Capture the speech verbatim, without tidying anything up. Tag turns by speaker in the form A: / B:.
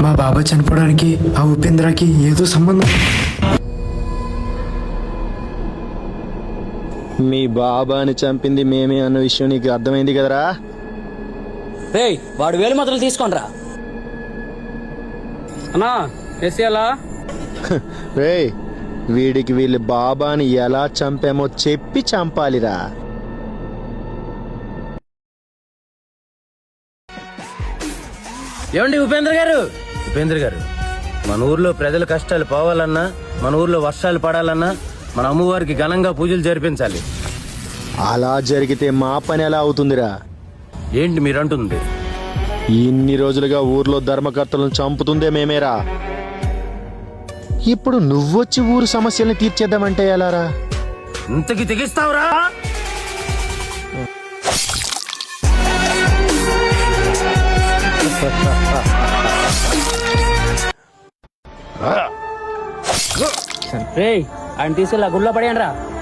A: మా బాబా చనిపోవడానికి ఆ ఉపేంద్రకి ఏదో సంబంధం.
B: మీ బాబాని చంపింది మేమే అన్న విషయం నీకు అర్థమైంది కదరా?
C: రేయ్ వాడు వేలు మాత్రం తీసుకోండిరా.
D: అన్నా ఎస్ఎలా
B: రేయ్ వీడికి వీళ్ళ బాబాని ఎలా చంపామో చెప్పి చంపాలిరా.
E: ఏమండి ఉపేంద్ర గారు, ఉపేంద్ర గారు మన ఊర్లో ప్రజల కష్టాలు పోవాలన్నా, మన ఊర్లో వర్షాలు పడాలన్నా మన అమ్మవారికి ఘనంగా పూజలు జరిపించాలి.
B: అలా జరిగితే మా పని ఎలా అవుతుందిరా?
E: ఏంటి మీరంటుంది?
B: ఇన్ని రోజులుగా ఊర్లో ధర్మకర్తలను చంపుతుందే మేమేరా. ఇప్పుడు నువ్వొచ్చి ఊరు సమస్యల్ని తీర్చేద్దామంటే ఎలారా?
E: ఇంతకి తెగిస్తావురా?
C: రేయ్ ఆయన తీసుకెళ్ళి గుళ్ళో పడేయండి రా.